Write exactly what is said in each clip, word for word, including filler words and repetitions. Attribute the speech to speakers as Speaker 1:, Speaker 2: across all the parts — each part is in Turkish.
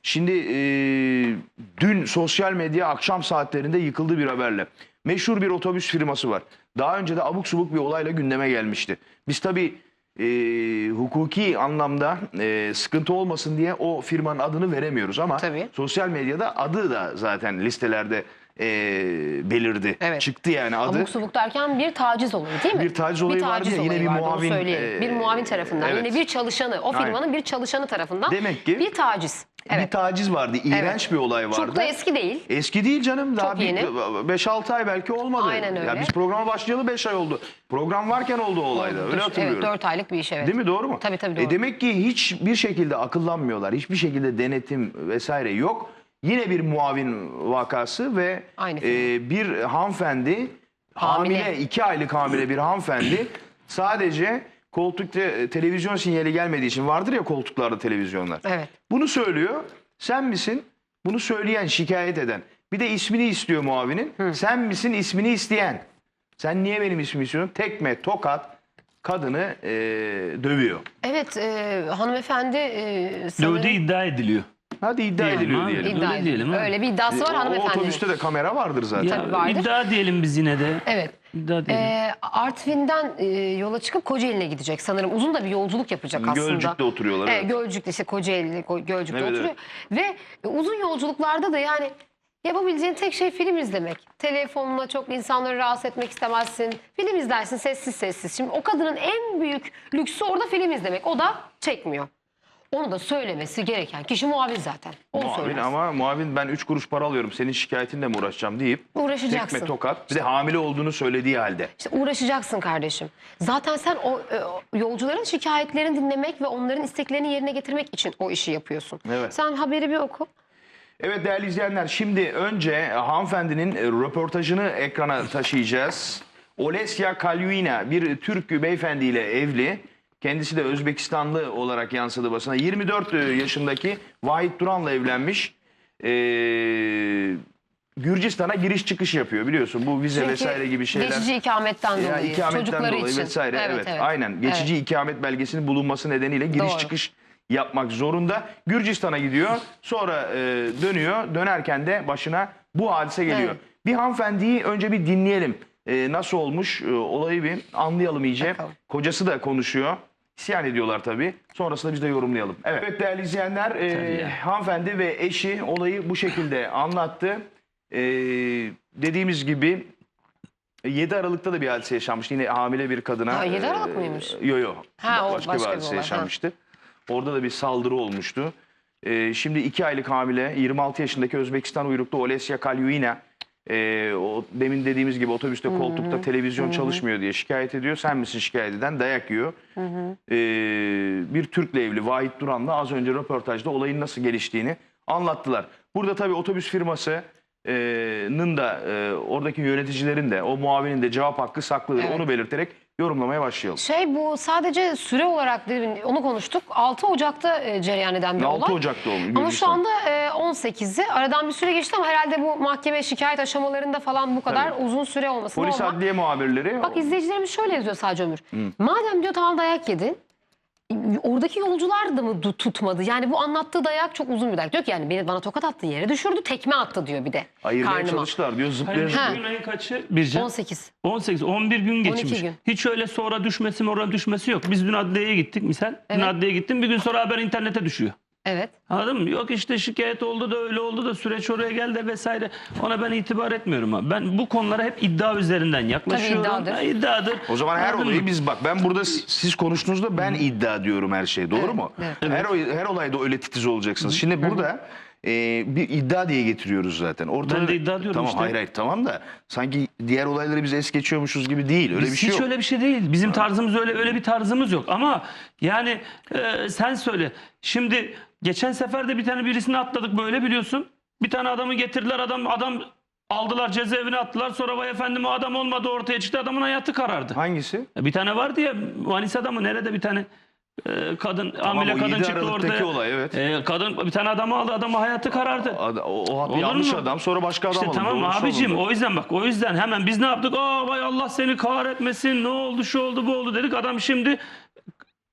Speaker 1: Şimdi e, dün sosyal medya akşam saatlerinde yıkıldı bir haberle. Meşhur bir otobüs firması var. Daha önce de abuk subuk bir olayla gündeme gelmişti. Biz tabii e, hukuki anlamda e, sıkıntı olmasın diye o firmanın adını veremiyoruz ama
Speaker 2: Tabii.
Speaker 1: sosyal medyada adı da zaten listelerde e, belirdi.
Speaker 2: Evet.
Speaker 1: Çıktı yani adı.
Speaker 2: Abuk subuk derken bir taciz olayı değil mi?
Speaker 1: Bir taciz olayı vardı ya, yine bir
Speaker 2: vardı, onu
Speaker 1: muavin,
Speaker 2: söyleyelim.
Speaker 1: e,
Speaker 2: bir muavin tarafından.
Speaker 1: evet.
Speaker 2: Yine bir çalışanı, o firmanın
Speaker 1: Aynen.
Speaker 2: bir çalışanı tarafından
Speaker 1: Demek ki
Speaker 2: bir taciz. Evet.
Speaker 1: bir taciz vardı. İğrenç
Speaker 2: Evet.
Speaker 1: bir olay vardı.
Speaker 2: Çok da eski değil.
Speaker 1: Eski değil canım. Daha
Speaker 2: Çok yeni.
Speaker 1: beş altı ay belki olmadı.
Speaker 2: Aynen öyle.
Speaker 1: Ya biz programa başlayalı beş ay oldu. Program varken oldu o olayda. Öyle hatırlıyorum.
Speaker 2: Evet, dört aylık bir iş, evet.
Speaker 1: Değil mi? Doğru mu?
Speaker 2: Tabii tabii doğru.
Speaker 1: E demek ki hiçbir şekilde akıllanmıyorlar. Hiçbir şekilde denetim vesaire yok. Yine bir muavin vakası ve
Speaker 2: Aynı
Speaker 1: e, bir hanımefendi hamile.
Speaker 2: Hamile.
Speaker 1: iki aylık hamile bir hanımefendi sadece koltukta e, televizyon sinyali gelmediği için, vardır ya koltuklarda televizyonlar.
Speaker 2: Evet.
Speaker 1: Bunu söylüyor. Sen misin? Bunu söyleyen, şikayet eden. Bir de ismini istiyor muavinin. Sen misin ismini isteyen? Sen niye benim ismimi istiyorsun? Tekme, tokat kadını e, dövüyor.
Speaker 2: Evet, e, hanımefendi e, sanırım...
Speaker 3: Dövdüğü iddia ediliyor.
Speaker 1: Hadi iddia
Speaker 3: Diyelim
Speaker 1: ediliyor
Speaker 3: abi.
Speaker 1: diyelim.
Speaker 2: İddia
Speaker 3: Öyle diyelim ha.
Speaker 2: Öyle bir iddiası var
Speaker 1: E, o
Speaker 2: hanımefendinin.
Speaker 1: otobüste de kamera vardır zaten.
Speaker 3: Ya,
Speaker 2: Tabii vardır.
Speaker 3: iddia diyelim biz yine de.
Speaker 2: Evet.
Speaker 3: İddia diyelim.
Speaker 2: E, Artvin'den e, yola çıkıp Kocaeli'ne gidecek sanırım. Uzun da bir yolculuk yapacak aslında.
Speaker 1: Gölcük'te oturuyorlar.
Speaker 2: Evet,
Speaker 1: Evet.
Speaker 2: Gölcük'te işte Kocaeli, Ko- Gölcük'te
Speaker 1: Evet,
Speaker 2: oturuyor. Ve e, uzun yolculuklarda da yani yapabileceğin tek şey film izlemek. Telefonla çok insanları rahatsız etmek istemezsin. Film izlersin sessiz sessiz. Şimdi o kadının en büyük lüksü orada film izlemek. O da çekmiyor. Onu da söylemesi gereken kişi muavin zaten. Onu
Speaker 1: Muavin
Speaker 2: söyler.
Speaker 1: ama muavin ben üç kuruş para alıyorum, senin şikayetinle mi uğraşacağım deyip
Speaker 2: Uğraşacaksın.
Speaker 1: tekme tokat, bir de hamile olduğunu söylediği halde.
Speaker 2: İşte uğraşacaksın kardeşim. Zaten sen o, e, o yolcuların şikayetlerini dinlemek ve onların isteklerini yerine getirmek için o işi yapıyorsun.
Speaker 1: Evet.
Speaker 2: Sen haberi bir oku.
Speaker 1: Evet değerli izleyenler, şimdi önce hanımefendinin e, röportajını ekrana taşıyacağız. Olesya Kalyuina bir Türk beyefendiyle evli. Kendisi de Özbekistanlı olarak yansıdı basına. yirmi dört yaşındaki Vahit Duran'la evlenmiş. Ee, Gürcistan'a giriş çıkış yapıyor biliyorsun. Bu vize
Speaker 2: Çünkü
Speaker 1: vesaire gibi şeyler.
Speaker 2: geçici ikametten
Speaker 1: Ya,
Speaker 2: dolayı.
Speaker 1: ikametten
Speaker 2: çocukları
Speaker 1: dolayı
Speaker 2: için.
Speaker 1: vesaire. Evet,
Speaker 2: evet.
Speaker 1: aynen. Geçici
Speaker 2: Evet.
Speaker 1: ikamet belgesinin bulunması nedeniyle giriş
Speaker 2: Doğru.
Speaker 1: çıkış yapmak zorunda. Gürcistan'a gidiyor. Sonra e, dönüyor. Dönerken de başına bu hadise geliyor.
Speaker 2: Evet.
Speaker 1: Bir hanımefendiyi önce bir dinleyelim. E, nasıl olmuş e, olayı bir anlayalım iyice.
Speaker 2: Bakalım.
Speaker 1: Kocası da konuşuyor. İsyan ediyorlar tabii. Sonrasında biz de yorumlayalım. Evet, evet değerli izleyenler, e, hanımefendi ve eşi olayı bu şekilde anlattı. E, dediğimiz gibi yedi Aralık'ta da bir hadise yaşanmıştı. Yine hamile bir kadına.
Speaker 2: Ha, yedi Aralık mıymış?
Speaker 1: Yok yok.
Speaker 2: Ha, o
Speaker 1: Başka,
Speaker 2: başka
Speaker 1: bir
Speaker 2: bir
Speaker 1: hadise
Speaker 2: olay,
Speaker 1: yaşanmıştı. Orada da bir saldırı olmuştu. E, şimdi iki aylık hamile yirmi altı yaşındaki Özbekistan uyruklu Olesya Kalyuina. E, o demin dediğimiz gibi otobüste koltukta televizyon çalışmıyor diye şikayet ediyor. Sen misin şikayet eden? Dayak yiyor. E, bir Türk'le evli Vahit Duran'la az önce röportajda olayın nasıl geliştiğini anlattılar. Burada tabii otobüs firmasının da e, oradaki yöneticilerin de o muavinin de cevap hakkı saklıdır.
Speaker 2: Evet.
Speaker 1: Onu belirterek yorumlamaya başlayalım.
Speaker 2: Şey, bu sadece süre olarak demin onu konuştuk. altı Ocak'ta e, cereyan eden bir olay.
Speaker 1: altı Ocak'ta oldu.
Speaker 2: Ama şu anda e, on sekizi. Aradan bir süre geçti ama herhalde bu mahkeme şikayet aşamalarında falan bu kadar
Speaker 1: Tabii.
Speaker 2: uzun süre olması
Speaker 1: Polis
Speaker 2: normal.
Speaker 1: adliye muhabirleri.
Speaker 2: Bak izleyicilerimiz şöyle yazıyor sadece Ömür. Madem diyor tamam dayak yedin. Oradaki yolcular da mı du- tutmadı? Yani bu anlattığı dayak çok uzun bir dayak. Diyor ki yani beni bana tokat attı, yere düşürdü, tekme attı diyor bir de.
Speaker 1: ayırmaya
Speaker 2: karnıma.
Speaker 1: çalıştılar diyor, zıplaya
Speaker 3: Hayır,
Speaker 1: zıplaya.
Speaker 3: bugün ayın kaçı? Birce.
Speaker 2: on sekiz.
Speaker 3: on sekiz, on bir gün geçmiş.
Speaker 2: gün.
Speaker 3: Hiç öyle sonra düşmesi morale düşmesi yok. Biz dün adliyeye gittik misal. Dün
Speaker 2: Evet.
Speaker 3: adliyeye gittim, bir gün sonra haber internete düşüyor.
Speaker 2: Evet.
Speaker 3: Anladın mı? Yok işte şikayet oldu da öyle oldu da süreç oraya geldi vesaire. Ona ben itibar etmiyorum abi. Ben bu konulara hep iddia üzerinden yaklaşıyorum.
Speaker 2: iddiadır.
Speaker 3: Ha, iddiadır.
Speaker 1: O zaman her
Speaker 3: Anladın
Speaker 1: olayı
Speaker 3: mı?
Speaker 1: biz bak, ben burada s- siz konuştuğunuzda ben iddia diyorum her şey, doğru
Speaker 2: Evet,
Speaker 1: mu?
Speaker 2: evet.
Speaker 1: Her oy- her olayda öyle titiz olacaksınız. Şimdi burada e, bir iddia diye getiriyoruz zaten. Ortada,
Speaker 3: Ben de iddia diyorum
Speaker 1: tamam,
Speaker 3: işte.
Speaker 1: Hayır hayır tamam da sanki diğer olayları biz es geçiyormuşuz gibi değil. Öyle
Speaker 3: Biz
Speaker 1: bir şey
Speaker 3: hiç
Speaker 1: yok.
Speaker 3: öyle bir şey değil. Bizim tarzımız öyle öyle bir tarzımız yok. Ama yani e, sen söyle. Şimdi geçen sefer de bir tane birisini atladık böyle biliyorsun. Bir tane adamı getirdiler, adam adam aldılar, cezaevine attılar. Sonra vay efendim o adam olmadı, ortaya çıktı, adamın hayatı karardı.
Speaker 1: Hangisi?
Speaker 3: Bir tane vardı ya Manisa'da mı nerede bir tane e, kadın hamile
Speaker 1: o
Speaker 3: kadın
Speaker 1: yedi
Speaker 3: çıktı
Speaker 1: Aralık'taki
Speaker 3: ortaya.
Speaker 1: olay, evet.
Speaker 3: E, kadın bir tane adamı aldı, adamın hayatı karardı.
Speaker 1: Ad- o, o
Speaker 3: Olur
Speaker 1: yanlış
Speaker 3: mu?
Speaker 1: adam, sonra başka adam
Speaker 3: İşte
Speaker 1: alındı.
Speaker 3: tamam
Speaker 1: Doğrusu
Speaker 3: abicim,
Speaker 1: alındı.
Speaker 3: o yüzden bak, o yüzden hemen biz ne yaptık? Aa vay Allah seni kahretmesin, ne oldu şu oldu bu oldu dedik. Adam şimdi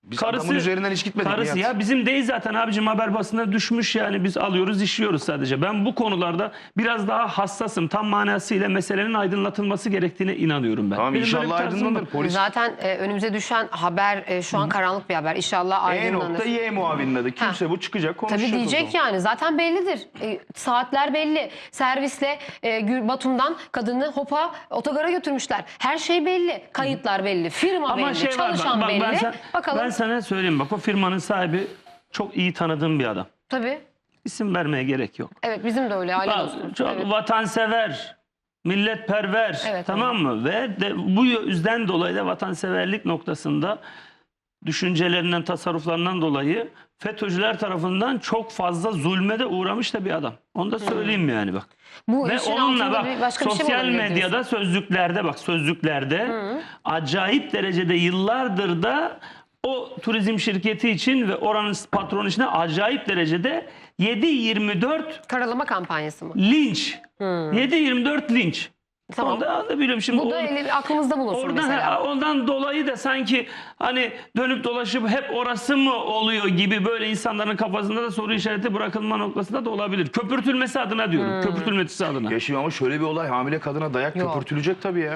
Speaker 1: Biz adamın üzerinden hiç gitmedik.
Speaker 3: Karısı
Speaker 1: Nihat.
Speaker 3: ya bizim değil zaten abicim, haber basına düşmüş yani, biz alıyoruz işliyoruz sadece. Ben bu konularda biraz daha hassasım. Tam manasıyla meselenin aydınlatılması gerektiğine inanıyorum ben.
Speaker 1: Tamam,
Speaker 3: Benim böyle bir
Speaker 1: inşallah
Speaker 3: tarzım
Speaker 1: aydınlanır.
Speaker 3: var.
Speaker 1: Polis
Speaker 2: Zaten e, önümüze düşen haber e, şu an karanlık bir haber. İnşallah
Speaker 1: E
Speaker 2: aydınlanır.
Speaker 1: nokta Y muavinin adı. Kimse bu çıkacak konuşacak.
Speaker 2: Tabii
Speaker 1: o
Speaker 2: diyecek
Speaker 1: zaman.
Speaker 2: yani. Zaten bellidir. E, saatler belli. Servisle e, Gül- Batum'dan kadını Hopa otogara götürmüşler. Her şey belli. Kayıtlar belli. Firma
Speaker 3: Ama
Speaker 2: belli.
Speaker 3: şey var,
Speaker 2: Çalışan
Speaker 3: bak, bak,
Speaker 2: belli.
Speaker 3: ben, sen-
Speaker 2: Bakalım.
Speaker 3: ben sana söyleyeyim, bak o firmanın sahibi çok iyi tanıdığım bir adam.
Speaker 2: Tabii.
Speaker 3: İsim vermeye gerek yok.
Speaker 2: Evet, bizim de öyle. Aile
Speaker 3: Bak,
Speaker 2: dostumuz.
Speaker 3: çok
Speaker 2: Evet.
Speaker 3: vatansever, milletperver,
Speaker 2: Evet,
Speaker 3: tamam mı? Ve de bu yüzden dolayı da vatanseverlik noktasında düşüncelerinden, tasarruflarından dolayı FETÖ'cüler tarafından çok fazla zulme de uğramış da bir adam. Onu da söyleyeyim yani bak.
Speaker 2: Bu
Speaker 3: Ve
Speaker 2: işin
Speaker 3: onunla
Speaker 2: altında
Speaker 3: bak
Speaker 2: bir başka bir şey mi
Speaker 3: sosyal
Speaker 2: olabilir
Speaker 3: medyada
Speaker 2: diyorsun?
Speaker 3: sözlüklerde bak sözlüklerde acayip derecede yıllardır da o turizm şirketi için ve oranın patronu için de acayip derecede yedi yirmi dört
Speaker 2: Karalama kampanyası mı?
Speaker 3: linç. yedi yirmi dört linç.
Speaker 2: Tamam.
Speaker 3: Onu da, da biliyorum şimdi.
Speaker 2: Bu da
Speaker 3: o-
Speaker 2: eli- aklımızda bulunsun
Speaker 3: Oradan,
Speaker 2: mesela.
Speaker 3: ha, ondan dolayı da sanki hani dönüp dolaşıp hep orası mı oluyor gibi böyle insanların kafasında da soru işareti bırakılma noktasında da olabilir. Köpürtülmesi adına diyorum. Köpürtülmesi adına.
Speaker 1: Ya şimdi ama şöyle bir olay, hamile kadına dayak
Speaker 2: Yok.
Speaker 1: köpürtülecek tabii ya.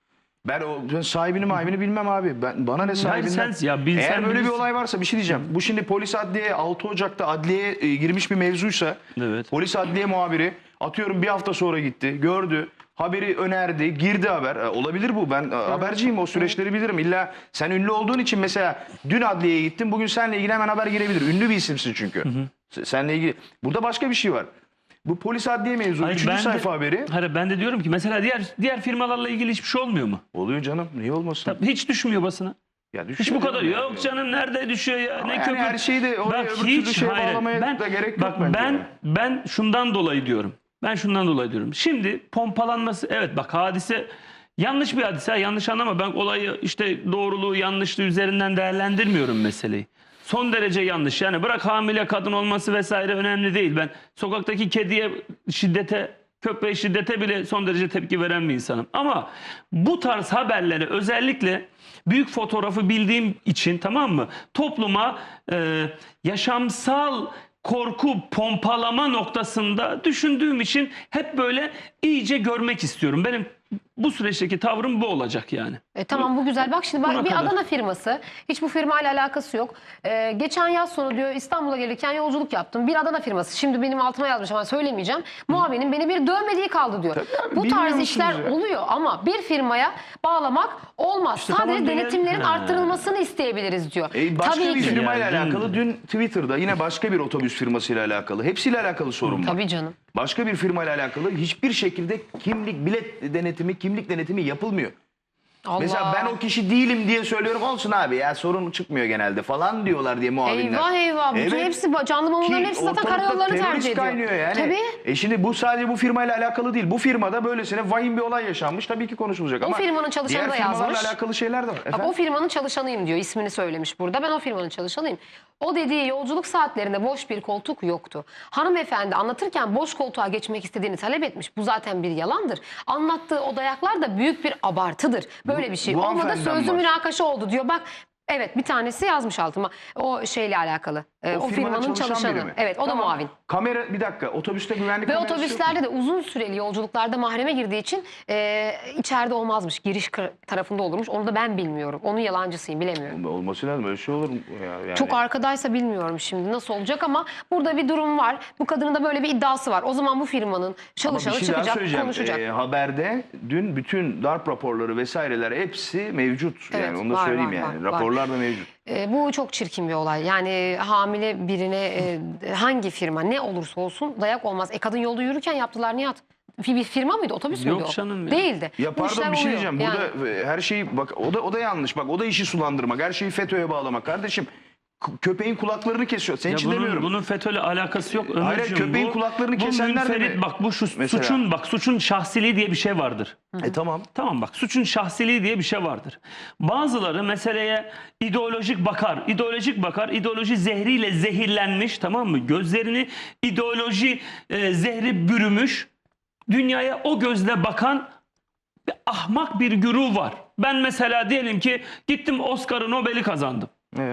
Speaker 1: Ben o ben sahibini mahibini bilmem abi. Ben bana ne sahibinden.
Speaker 3: sen- ya bilsen
Speaker 1: Eğer böyle bir
Speaker 3: bilirsin.
Speaker 1: olay varsa bir şey diyeceğim. Bu şimdi polis adliye altı Ocak'ta adliyeye e, girmiş bir mevzuysa
Speaker 3: Evet.
Speaker 1: polis adliye muhabiri atıyorum bir hafta sonra gitti, gördü. Haberi önerdi, girdi haber. E, olabilir bu. Ben e, haberciyim, o süreçleri bilirim. İlla sen ünlü olduğun için mesela dün adliyeye gittin, bugün seninle ilgili hemen haber girebilir. Ünlü bir isimsin çünkü. Se- Seninle ilgili. Burada başka bir şey var. Bu polis adliye mevzu.
Speaker 3: Hayır,
Speaker 1: Üçüncü
Speaker 3: ben de-
Speaker 1: sayfa haberi.
Speaker 3: Hayır, ben de diyorum ki mesela diğer diğer firmalarla ilgili hiçbir şey olmuyor mu?
Speaker 1: Oluyor canım. Niye olmasın?
Speaker 3: Tabii hiç düşmüyor basına.
Speaker 1: Ya
Speaker 3: Hiç
Speaker 1: düşüyor
Speaker 3: bu kadar.
Speaker 1: canım yani.
Speaker 3: Yok canım, nerede düşüyor ya?
Speaker 1: Ama
Speaker 3: Ne
Speaker 1: yani
Speaker 3: köpür.
Speaker 1: her şeyi de oraya
Speaker 3: Bak
Speaker 1: öbür türlü şeye
Speaker 3: hayır,
Speaker 1: bağlamaya
Speaker 3: ben,
Speaker 1: da gerek
Speaker 3: bak,
Speaker 1: yok bence.
Speaker 3: ben
Speaker 1: yani.
Speaker 3: ben şundan dolayı diyorum. Ben şundan dolayı diyorum. Şimdi pompalanması, evet bak hadise yanlış bir hadise. Yanlış anlama. Ben olayı işte doğruluğu yanlışlığı üzerinden değerlendirmiyorum meseleyi. Son derece yanlış. Yani bırak hamile kadın olması vesaire önemli değil. Ben sokaktaki kediye şiddete, köpeğe şiddete bile son derece tepki veren bir insanım. Ama bu tarz haberleri özellikle büyük fotoğrafı bildiğim için, tamam mı? Topluma e, yaşamsal korku pompalama noktasında düşündüğüm için hep böyle iyice görmek istiyorum. Benim bu süreçteki tavrım bu olacak yani.
Speaker 2: E, tamam, bu güzel. Bak şimdi
Speaker 3: Buna
Speaker 2: bak, bir
Speaker 3: kadar.
Speaker 2: Adana firması. Hiç bu firmayla alakası yok. E, geçen yaz sonu diyor İstanbul'a gelirken yolculuk yaptım. Bir Adana firması. Şimdi benim altıma yazmış ama söylemeyeceğim. Muavinin beni bir dövmediği kaldı diyor.
Speaker 1: Tabii abi,
Speaker 2: Bu
Speaker 1: bilmiyor
Speaker 2: tarz
Speaker 1: musunuz
Speaker 2: işler
Speaker 1: ya?
Speaker 2: oluyor ama bir firmaya bağlamak olmaz.
Speaker 3: İşte
Speaker 2: Sadece
Speaker 3: tamam,
Speaker 2: denetimlerin
Speaker 3: ha.
Speaker 2: arttırılmasını isteyebiliriz diyor.
Speaker 1: E, başka
Speaker 2: Tabii
Speaker 1: bir
Speaker 2: ki.
Speaker 1: firmayla
Speaker 3: Yani,
Speaker 1: alakalı dün Twitter'da yine başka bir otobüs firmasıyla alakalı. Hepsiyle alakalı sorun var.
Speaker 2: Tabii canım.
Speaker 1: Başka bir firmayla alakalı hiçbir şekilde kimlik bilet denetimi, kimlik denetimi yapılmıyor.
Speaker 2: Allah.
Speaker 1: Mesela ben o kişi değilim diye söylüyorum, olsun abi ya sorun çıkmıyor genelde falan diyorlar diye muavinler.
Speaker 2: Eyvah eyvah. Bütün
Speaker 1: Evet.
Speaker 2: hepsi canlı mamulların
Speaker 1: Ki
Speaker 2: hepsi zaten
Speaker 1: ortalıkta
Speaker 2: karayollarını
Speaker 1: terörist
Speaker 2: tercih ediyor.
Speaker 1: kaynıyor yani.
Speaker 2: Tabii.
Speaker 1: E şimdi bu sadece bu firmayla alakalı değil. Bu firmada böylesine vahim bir olay yaşanmış. Tabii ki konuşulacak
Speaker 2: O
Speaker 1: ama
Speaker 2: firmanın çalışanı
Speaker 1: diğer
Speaker 2: da
Speaker 1: firmalarla
Speaker 2: yazmış.
Speaker 1: alakalı şeyler de var.
Speaker 2: Bak,
Speaker 1: Efendim?
Speaker 2: o firmanın çalışanıyım diyor. İsmini söylemiş burada. Ben o firmanın çalışanıyım. O dediği yolculuk saatlerinde boş bir koltuk yoktu. Hanımefendi anlatırken boş koltuğa geçmek istediğini talep etmiş. Bu zaten bir yalandır. Anlattığı o dayaklar da büyük bir abartıdır. Böyle
Speaker 1: Bu-
Speaker 2: bir şey
Speaker 1: bu
Speaker 2: olmadı.
Speaker 1: hanımefendiden
Speaker 2: Sözlü
Speaker 1: var.
Speaker 2: münakaşa oldu diyor. Bak, evet, bir tanesi yazmış altıma. O şeyle alakalı. Ee, o,
Speaker 1: firmada
Speaker 2: firmanın
Speaker 1: çalışan
Speaker 2: çalışanı.
Speaker 1: biri mi?
Speaker 2: Evet, o da
Speaker 1: Tamam.
Speaker 2: muavin.
Speaker 1: Kamera bir dakika, otobüste güvenlik
Speaker 2: Ve
Speaker 1: kamerası yok mu?
Speaker 2: otobüslerde de uzun süreli yolculuklarda mahreme girdiği için e, içeride olmazmış. Giriş kı- tarafında olurmuş. Onu da ben bilmiyorum. Onun yalancısıyım, bilemiyorum.
Speaker 1: Olması lazım, öyle şey olur mu ya? Yani.
Speaker 2: Çok arkadaysa bilmiyorum şimdi nasıl olacak ama burada bir durum var. Bu kadının da böyle bir iddiası var. O zaman bu firmanın
Speaker 1: Ama
Speaker 2: çalışanı
Speaker 1: bir şey daha
Speaker 2: çıkacak,
Speaker 1: söyleyeceğim.
Speaker 2: konuşacak.
Speaker 1: Ee, haberde dün bütün darp raporları vesaireler hepsi mevcut.
Speaker 2: Evet,
Speaker 1: yani onu da
Speaker 2: var,
Speaker 1: söyleyeyim
Speaker 2: var,
Speaker 1: yani.
Speaker 2: var, var.
Speaker 1: Raporlar da mevcut.
Speaker 2: E, bu çok çirkin bir olay. Yani hamile birine e, hangi firma ne olursa olsun dayak olmaz. E kadın yolda yürürken yaptılar Nihat. Bir bir firma mıydı? Otobüs
Speaker 3: Yok
Speaker 2: müydü o?
Speaker 3: canım ya.
Speaker 2: Değildi.
Speaker 1: Ya
Speaker 2: Bu
Speaker 1: pardon
Speaker 2: işler
Speaker 1: bir şey
Speaker 2: oluyor.
Speaker 1: diyeceğim.
Speaker 2: Yani.
Speaker 1: Burada e, her şeyi bak o da o da yanlış. Bak o da işi sulandırmak. Her şeyi FETÖ'ye bağlamak. Kardeşim k- köpeğin kulaklarını kesiyor. Senin
Speaker 3: Ya
Speaker 1: için
Speaker 3: bunun,
Speaker 1: demiyorum.
Speaker 3: bunun FETÖ'yle alakası yok
Speaker 1: Hayır,
Speaker 3: Ömerciğim.
Speaker 1: köpeğin
Speaker 3: Bu-
Speaker 1: kulaklarını
Speaker 3: bu
Speaker 1: kesenler de
Speaker 3: münferit,
Speaker 1: mi?
Speaker 3: bak bu şu
Speaker 1: Mesela.
Speaker 3: suçun bak suçun şahsiliği diye bir şey vardır.
Speaker 1: E tamam.
Speaker 3: Tamam bak suçun şahsiliği diye bir şey vardır. Bazıları meseleye ideolojik bakar. ideolojik bakar. İdeoloji zehriyle zehirlenmiş, tamam mı? Gözlerini ideoloji e, zehri bürümüş. Dünyaya o gözle bakan bir ahmak bir güruh var. Ben mesela diyelim ki gittim Oscar'ı, Nobel'i kazandım.
Speaker 1: Evet.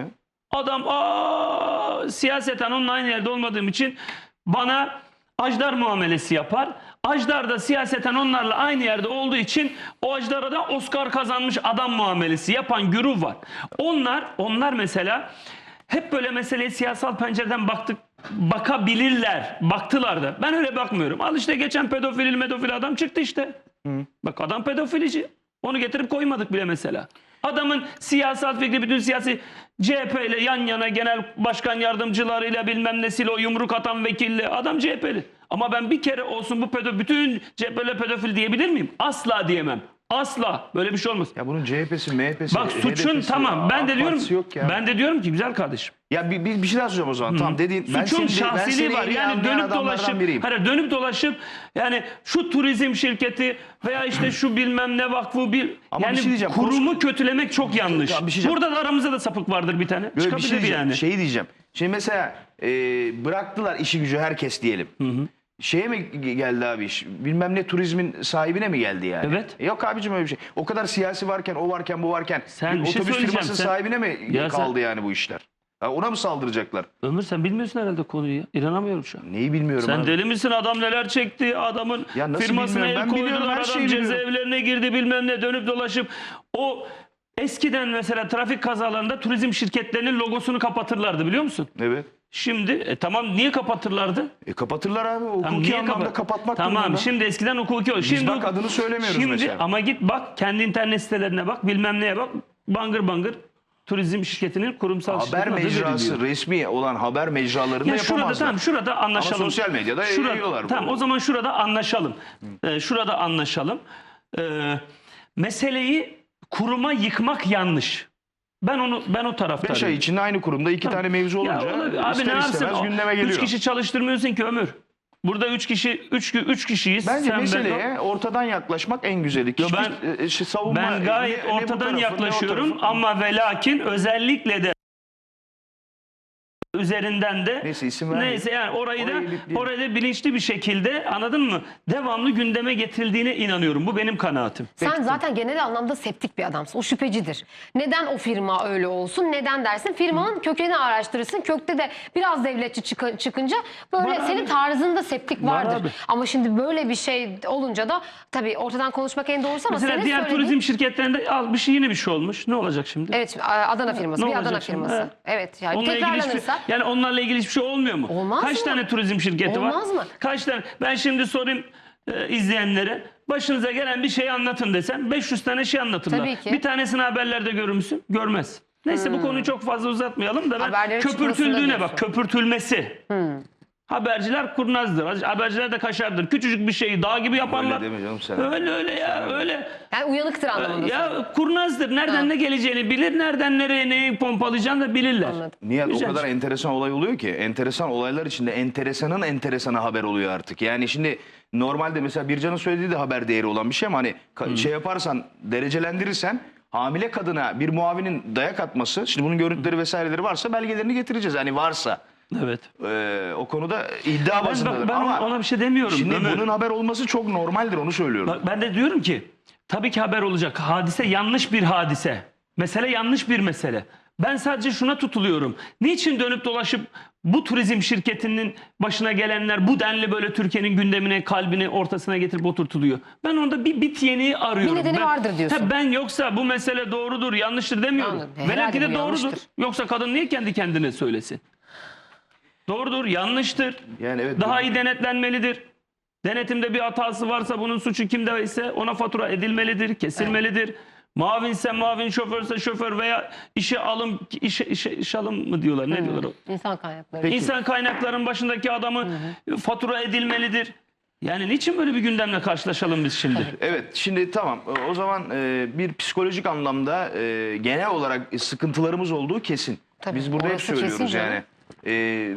Speaker 3: Adam aa, siyaseten onunla aynı yerde olmadığım için bana ajdar muamelesi yapar. Ajdar da siyaseten onlarla aynı yerde olduğu için o ajdara da Oscar kazanmış adam muamelesi yapan güruh var. Onlar onlar mesela hep böyle meseleye siyasal pencereden baktık, bakabilirler. Baktılar da. Ben öyle bakmıyorum. Al işte geçen pedofil medofil adam çıktı işte. Hı. Bak adam pedofilici. Onu getirip koymadık bile mesela. Adamın siyasal fikri bütün siyasi C H P ile yan yana genel başkan yardımcılarıyla bilmem nesiyle o yumruk atan vekille adam C H P'li. Ama ben bir kere olsun bu pedofil bütün C H P'li pedofil diyebilir miyim? Asla diyemem. Asla. Böyle bir şey olmaz.
Speaker 1: Ya bunun C H P'si, M H P'si,
Speaker 3: bak suçun
Speaker 1: H D P'si,
Speaker 3: tamam. Ben de diyorum
Speaker 1: ya.
Speaker 3: ben de diyorum ki güzel kardeşim.
Speaker 1: Ya bir, bir, bir şey daha soracağım o zaman. Hı. Tamam dediğin ben
Speaker 3: Suçun
Speaker 1: seni, ben
Speaker 3: şahsiliği
Speaker 1: seni
Speaker 3: var. Yani dönüp dolaşıp
Speaker 1: biriyim.
Speaker 3: hayır, dönüp dolaşıp yani şu turizm şirketi veya işte şu bilmem ne vakfı bir
Speaker 1: Ama
Speaker 3: yani
Speaker 1: bir şey diyeceğim,
Speaker 3: kurumu
Speaker 1: konuş-
Speaker 3: kötülemek çok yanlış.
Speaker 1: Tamam, bir şey
Speaker 3: Burada da aramızda da sapık vardır bir tane.
Speaker 1: Böyle bir
Speaker 3: Çıkabilir
Speaker 1: şey diyeceğim.
Speaker 3: yani.
Speaker 1: Şeyi diyeceğim. Şimdi mesela e, bıraktılar işi gücü herkes diyelim. Hı hı. Şeye mi geldi abi iş? Bilmem ne turizmin sahibine mi geldi yani?
Speaker 3: Evet.
Speaker 1: Yok abicim öyle bir şey. O kadar siyasi varken, o varken, bu varken
Speaker 3: Sen
Speaker 1: bir
Speaker 3: bir şey
Speaker 1: otobüs
Speaker 3: söyleyeceğim.
Speaker 1: firmasının
Speaker 3: Sen-
Speaker 1: sahibine mi
Speaker 3: Ya
Speaker 1: kaldı
Speaker 3: sen-
Speaker 1: yani bu işler? Ha, ona mı saldıracaklar?
Speaker 3: Ömür sen bilmiyorsun herhalde konuyu ya. İnanamıyorum şu an.
Speaker 1: Neyi bilmiyorum
Speaker 3: Sen
Speaker 1: abi.
Speaker 3: deli misin? Adam neler çekti? Adamın
Speaker 1: Ya nasıl
Speaker 3: firmasına el
Speaker 1: bilmiyorum? Ben biliyorum,
Speaker 3: koydular.
Speaker 1: her
Speaker 3: Adam
Speaker 1: şeyi biliyorum.
Speaker 3: cezaevlerine girdi bilmem ne dönüp dolaşıp. O eskiden mesela trafik kazalarında turizm şirketlerinin logosunu kapatırlardı biliyor musun?
Speaker 1: Evet.
Speaker 3: Şimdi e, tamam niye kapatırlardı?
Speaker 1: E kapatırlar abi. Hukuki
Speaker 3: Tamam, niye
Speaker 1: anlamda
Speaker 3: kapat-
Speaker 1: kapatmak
Speaker 3: Tamam
Speaker 1: durumunda.
Speaker 3: şimdi eskiden hukuki o. Şimdi
Speaker 1: bak adını söylemiyoruz
Speaker 3: şimdi,
Speaker 1: mesela.
Speaker 3: Ama git bak kendi internet sitelerine bak bilmem neye bak. Bangır bangır turizm şirketinin kurumsal
Speaker 1: Haber
Speaker 3: şirketin adı
Speaker 1: mecrası,
Speaker 3: veriliyor.
Speaker 1: resmi olan haber mecralarında
Speaker 3: Ya şurada
Speaker 1: yapamazlar.
Speaker 3: tamam şurada anlaşalım.
Speaker 1: Ama sosyal medyada
Speaker 3: Şurada-
Speaker 1: yayıyorlar.
Speaker 3: Tamam o zaman şurada anlaşalım. Ee, şurada anlaşalım. Ee, meseleyi kuruma yıkmak yanlış. Ben onu ben o taraftarıyım.
Speaker 1: Beş ay içinde aynı kurumda iki tane mevzu
Speaker 3: Ya
Speaker 1: olunca
Speaker 3: olabilir. Abi
Speaker 1: ister
Speaker 3: ne yapsın?
Speaker 1: istemez
Speaker 3: O-
Speaker 1: gündeme geliyor.
Speaker 3: Üç kişi çalıştırmıyorsun ki Ömür. Burada üç kişi üç üç kişiyiz.
Speaker 1: Bence
Speaker 3: Sen, ben,
Speaker 1: meseleye ortadan yaklaşmak en güzeli.
Speaker 3: Yo,
Speaker 1: Hiçbir,
Speaker 3: ben-
Speaker 1: e, şey, savunma,
Speaker 3: ben gayet
Speaker 1: ne- ne bu
Speaker 3: ortadan
Speaker 1: tarafın, ne o
Speaker 3: yaklaşıyorum
Speaker 1: tarafın.
Speaker 3: ama ve lakin özellikle de üzerinden de
Speaker 1: Neyse, isim vermeyin.
Speaker 3: neyse yani orayı
Speaker 1: Orayı
Speaker 3: da
Speaker 1: bipleyelim.
Speaker 3: orayı da bilinçli bir şekilde anladın mı? Devamlı gündeme getirildiğine inanıyorum. Bu benim kanaatim.
Speaker 2: Sen zaten genel anlamda septik bir adamsın. O şüphecidir. Neden o firma öyle olsun? Neden dersin? Firmanın kökeni araştırırsın. Kökte de biraz devletçi çık- çıkınca böyle
Speaker 3: Var
Speaker 2: senin
Speaker 3: abi.
Speaker 2: tarzında septik
Speaker 3: Var
Speaker 2: vardır.
Speaker 3: abi.
Speaker 2: Ama şimdi böyle bir şey olunca da tabii ortadan konuşmak en doğrusu ama
Speaker 3: Mesela
Speaker 2: senin
Speaker 3: diğer
Speaker 2: söylediğin...
Speaker 3: turizm şirketlerinde al bir şey yine bir şey olmuş. Ne olacak şimdi?
Speaker 2: Evet şimdi Adana firması.
Speaker 3: Ne
Speaker 2: bir Adana
Speaker 3: olacak şimdi?
Speaker 2: firması.
Speaker 3: He.
Speaker 2: Evet yani
Speaker 3: Onunla ilgili hiçbir,
Speaker 2: tekrarlanırsa...
Speaker 3: yani onlarla ilgili hiçbir şey olmuyor mu?
Speaker 2: Olmaz
Speaker 3: Kaç
Speaker 2: mı?
Speaker 3: tane turizm şirketi var?
Speaker 2: Olmaz mı?
Speaker 3: Kaç tane? Ben şimdi sorayım e, izleyenlere. Başınıza gelen bir şey anlatın desem beş yüz tane şey anlatırlar.
Speaker 2: Tabii ki.
Speaker 3: Bir tanesini haberlerde görür müsün? Görmez. Neyse bu konuyu çok fazla uzatmayalım da ben
Speaker 2: Haberlerin çıkmasında
Speaker 3: köpürtüldüğüne
Speaker 2: diyorsun.
Speaker 3: bak. Köpürtülmesi. Haberciler kurnazdır. Haberciler de kaşardır. Küçücük bir şeyi dağ gibi yaparlar.
Speaker 1: Öyle deme canım sen.
Speaker 3: Öyle öyle ya öyle.
Speaker 2: Yani uyanıktır anlamında.
Speaker 3: Ya kurnazdır. Nereden
Speaker 2: Ha.
Speaker 3: ne geleceğini bilir. Nereden nereye neyi pompalayacağını da bilirler.
Speaker 2: Anladım.
Speaker 1: Nihat
Speaker 3: Güzel.
Speaker 1: o kadar enteresan olay oluyor ki. Enteresan olaylar içinde enteresanın enteresanı haber oluyor artık. Yani şimdi normalde mesela Bircan'ın söylediği de haber değeri olan bir şey ama hani ka- şey yaparsan derecelendirirsen hamile kadına bir muavinin dayak atması, şimdi bunun görüntüleri vesaireleri varsa belgelerini getireceğiz. Hani varsa
Speaker 3: Evet.
Speaker 1: e, o konuda iddia
Speaker 3: Ben,
Speaker 1: bazındadır.
Speaker 3: ben, ben
Speaker 1: ama
Speaker 3: ona bir şey demiyorum.
Speaker 1: şimdi
Speaker 3: Ömür.
Speaker 1: bunun haber olması çok normaldir, onu söylüyorum.
Speaker 3: Bak, ben de diyorum ki tabii ki haber olacak. Hadise yanlış bir hadise. Mesele yanlış bir mesele. Ben sadece şuna tutuluyorum. Niçin dönüp dolaşıp bu turizm şirketinin başına gelenler bu denli böyle Türkiye'nin gündemine, kalbine, ortasına getirip oturtuluyor? Ben onda bir bit yeniği arıyorum.
Speaker 2: Bir nedeni
Speaker 3: ben,
Speaker 2: vardır diyorsun.
Speaker 3: Ha, ben yoksa bu mesele doğrudur, yanlıştır demiyorum.
Speaker 2: Anladım.
Speaker 3: Belki
Speaker 2: Herhalde
Speaker 3: de
Speaker 2: bu
Speaker 3: doğrudur.
Speaker 2: yanlıştır.
Speaker 3: Yoksa kadın niye kendi kendine söylesin? Doğrudur, yanlıştır.
Speaker 1: Yani evet,
Speaker 3: Daha
Speaker 1: bu-
Speaker 3: iyi denetlenmelidir. Denetimde bir hatası varsa bunun suçu kimde ise ona fatura edilmelidir, kesilmelidir. Muavinse muavin, şoförse şoför veya işe alım, işe, işe, işe alım mı diyorlar, ne diyorlar o?
Speaker 2: İnsan kaynakları.
Speaker 1: Peki.
Speaker 3: İnsan kaynakların başındaki adamı fatura edilmelidir. Yani niçin böyle bir gündemle karşılaşalım biz şimdi?
Speaker 1: Evet, şimdi tamam. O zaman e, bir psikolojik anlamda e, genel olarak sıkıntılarımız olduğu kesin.
Speaker 2: Tabii,
Speaker 1: Biz burada hep
Speaker 2: orası kesin
Speaker 1: söylüyoruz
Speaker 2: canım.
Speaker 1: yani. E,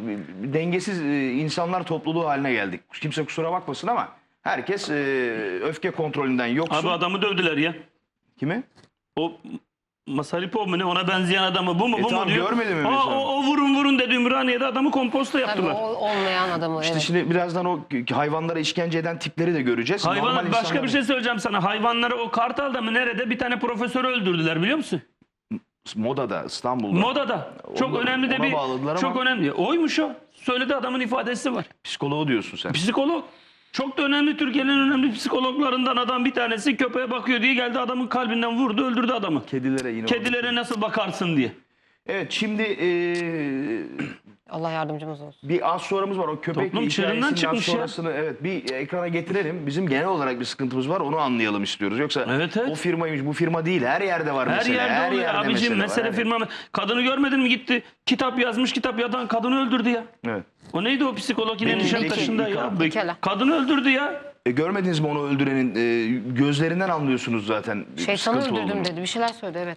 Speaker 1: dengesiz e, insanlar topluluğu haline geldik. Kimse kusura bakmasın ama herkes e, öfke kontrolünden yoksun.
Speaker 3: Abi adamı dövdüler ya.
Speaker 1: Kimi?
Speaker 3: O Masaripov mu ne, ona benzeyen adamı bu mu
Speaker 1: E
Speaker 3: bu
Speaker 1: tamam,
Speaker 3: mu diyor.
Speaker 1: görmedin mi
Speaker 3: Aa,
Speaker 1: mesela?
Speaker 3: o, o vurun vurun dedi Ümraniye'de adamı komposta
Speaker 2: Tabii
Speaker 3: yaptılar.
Speaker 2: o olmayan adamı.
Speaker 1: İşte
Speaker 2: evet.
Speaker 1: şimdi birazdan o hayvanlara işkence eden tipleri de göreceğiz.
Speaker 3: Hayvan,
Speaker 1: Normal
Speaker 3: başka
Speaker 1: insanlar-
Speaker 3: bir şey söyleyeceğim sana. Hayvanları o Kartal'da mı nerede bir tane profesörü öldürdüler biliyor musun?
Speaker 1: Moda'da, İstanbul'da.
Speaker 3: Modada. Çok
Speaker 1: Ona-
Speaker 3: önemli de
Speaker 1: ona
Speaker 3: bir
Speaker 1: bağladılar
Speaker 3: çok
Speaker 1: ama-
Speaker 3: önemli. Oymuş o. Söyledi, adamın ifadesi var.
Speaker 1: Psikoloğu diyorsun sen.
Speaker 3: Psikolog. Çok da önemli, Türkiye'nin önemli psikologlarından adam bir tanesi köpeğe bakıyor diye geldi, adamın kalbinden vurdu, öldürdü adamı.
Speaker 1: Kedilere yine.
Speaker 3: Kedilere nasıl bakarsın diye.
Speaker 1: Evet, şimdi eee,
Speaker 2: Allah yardımcımız olsun.
Speaker 1: bir az sonramız var. O köpek
Speaker 3: Toplum çığırından
Speaker 1: hikayesinden
Speaker 3: çıkmış ya.
Speaker 1: sonrasını evet bir ekrana getirelim. Bizim genel olarak bir sıkıntımız var. Onu anlayalım istiyoruz. Yoksa
Speaker 3: Evet, evet.
Speaker 1: o firmaymış, bu firma değil. Her yerde var
Speaker 3: Her
Speaker 1: mesele.
Speaker 3: yerde oluyor abicim.
Speaker 1: mesele,
Speaker 3: Mesele,
Speaker 1: var, her
Speaker 3: firma. Kadını görmedin mi, gitti kitap yazmış, kitap yazan kadını öldürdü ya.
Speaker 1: yerde. Evet.
Speaker 3: O neydi o psikolog yine
Speaker 1: Peki,
Speaker 3: Nişantaşı'nda
Speaker 1: peki,
Speaker 3: ya.
Speaker 1: İlkan.
Speaker 2: Pekala.
Speaker 3: Kadını öldürdü ya.
Speaker 1: E, görmediniz mi onu öldürenin e, gözlerinden anlıyorsunuz zaten. bir
Speaker 2: Şeytanı
Speaker 1: sıkıntı
Speaker 2: öldürdüm
Speaker 1: olduğunu.
Speaker 2: dedi. Bir şeyler söyledi, evet.